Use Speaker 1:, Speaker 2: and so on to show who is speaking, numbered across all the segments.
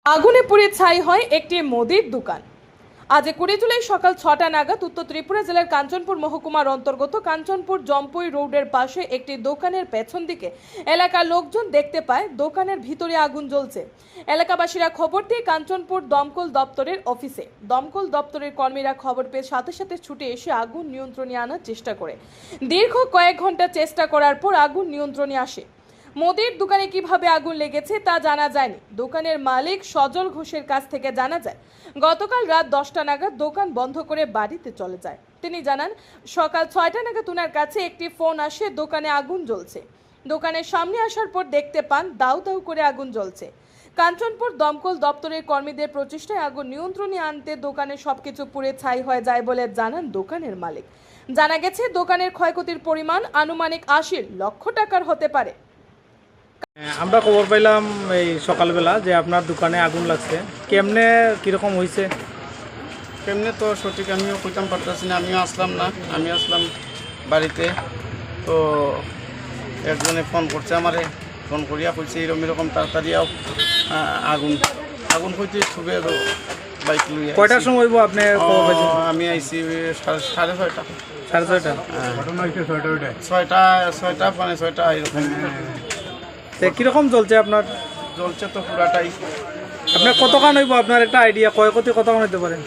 Speaker 1: আগুনে পুড়ে ছাই হয় একটি মুদির দোকান। আজ 20 জুলাই সকাল 6টা নাগাদ উত্তর ত্রিপুরা জেলার কাঞ্চনপুর মহকুমার অন্তর্গত কাঞ্চনপুর জম্পুই রোডের পাশে একটি দোকানের পেছন দিকে এলাকার লোকজন দেখতে পায় দোকানের ভিতরে আগুন জ্বলছে। এলাকাবাসীরা খবর দিয়ে কাঞ্চনপুর দমকল দপ্তরের অফিসে দমকল দপ্তরের কর্মীরা খবর পেয়ে সাথে সাথে ছুটে এসে আগুন নিয়ন্ত্রণে আনার চেষ্টা করে। দীর্ঘ কয়েক ঘন্টা চেষ্টা করার পর আগুন নিয়ন্ত্রণে আসে। মুদির দোকানে কিভাবে আগুন লেগেছে তা জানা যায়নি। দোকানের মালিক সজল ঘোষের কাছ থেকে জানা যায়, গতকাল রাত 10টা নাগাদ দোকান বন্ধ করে বাড়িতে চলে যায়। তিনি জানান, সকাল 6টা নাগাদ ওনার কাছে একটি ফোন আসে দোকানে আগুন জ্বলছে। দোকানের সামনে আসার পর দেখতে পান দাউ দাউ করে আগুন জ্বলছে। কাঞ্চনপুর দমকল দপ্তরের কর্মীদের প্রচেষ্টায় আগুন নিয়ন্ত্রণে আনতে দোকানের সবকিছু পুড়ে ছাই হয়ে যায় বলে জানান দোকানের মালিক। জানা গেছে দোকানের ক্ষয়ক্ষতির পরিমাণ আনুমানিক 80 লক্ষ টাকার হতে পারে।
Speaker 2: আমরা খবর পাইলাম এই সকালবেলা যে আপনার দোকানে আগুন লাগছে। কেমনে কীরকম হয়েছে?
Speaker 3: কেমনে তো সঠিক আমিও কইতাম পারতেছি না। আমিও আসলাম না, আমি আসলাম বাড়িতে। তো একজনে ফোন করছে আমারে, ফোন করিয়া কইছে এরকম তাড়াতাড়িও আগুন আগুন হইতে ছুবে বাইক লইয়া।
Speaker 2: কয়টার সময় হইব আপনি খবর পাইছেন?
Speaker 3: আমি আইছি 6:30।
Speaker 2: 6:30।
Speaker 3: ছয়টা মানে 6টা এরকম
Speaker 2: কীরকম চলছে আপনার?
Speaker 3: জ্বলছে তো পুরাটাই।
Speaker 2: আপনার কতক্ষণ হইব আপনার একটা আইডিয়া ক্ষয়ক্ষতি কতক্ষণ হইতে পারে?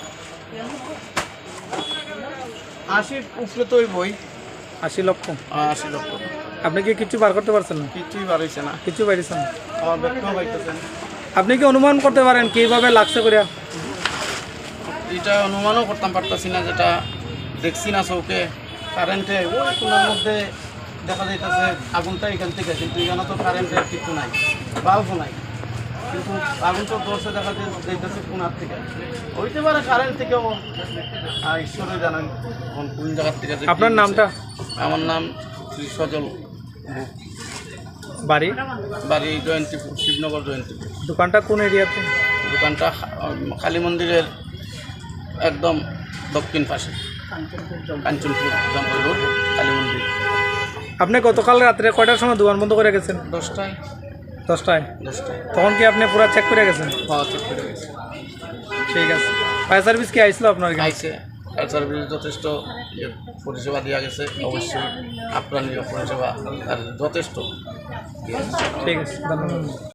Speaker 3: 80 উপরে তো বই
Speaker 2: 80 লক্ষ।
Speaker 3: 80 লক্ষ।
Speaker 2: আপনি কি কিছু বার করতে পারছেন না?
Speaker 3: কিছুই বাড়াইছে না,
Speaker 2: কিছু পাইছেন?
Speaker 3: আমার ব্যক্তিও পাইতেছেন।
Speaker 2: আপনি কি অনুমান করতে পারেন কীভাবে লাগছে করিয়া?
Speaker 3: এটা অনুমানও করতাম পারতাছি না, যেটা দেখছি না চৌকে। কারেন্টে ওই কোনার মধ্যে দেখা যাইতেছে আগুনটা এখান থেকে, কিন্তু এখানে তো কারেন্টের কিছু নাই, বাল্বও নাই, কিন্তু আগুন তো দর্শে দেখা যাইতেছে কোনার থেকে। হইতে পারে কারেন্ট থেকেও, ঈশ্বরে জানেন কোন জায়গার থেকে।
Speaker 2: আপনার নামটা?
Speaker 3: আমার নাম শ্রী সজল।
Speaker 2: বাড়ি?
Speaker 3: বাড়ি জয়ন্তীপুর, শিবনগর জয়ন্তীপুর।
Speaker 2: দোকানটা কোন এরিয়াতে?
Speaker 3: দোকানটা কালী মন্দিরের একদম দক্ষিণ পাশে, কাঞ্চনপুর জম্পুই রোড, কালী মন্দির।
Speaker 2: আপনি গতকাল রাত্রে কয়টার সময় দোকান বন্ধ করে গেছেন?
Speaker 3: 10টায়।
Speaker 2: 10টায়?
Speaker 3: 10টায়।
Speaker 2: তখন কি আপনি পুরো চেক করে গেছেন?
Speaker 3: হওয়া চেক করে গেছে।
Speaker 2: ঠিক আছে। ফায়ার সার্ভিস কি আইছিল আপনার কাছে?
Speaker 3: আইসে, ফায়ার সার্ভিস যথেষ্ট পরিষেবা দেওয়া গেছে। অবশ্যই আপ্রাণীয় পরিষেবা আর যথেষ্ট।
Speaker 2: ঠিক আছে, ধন্যবাদ।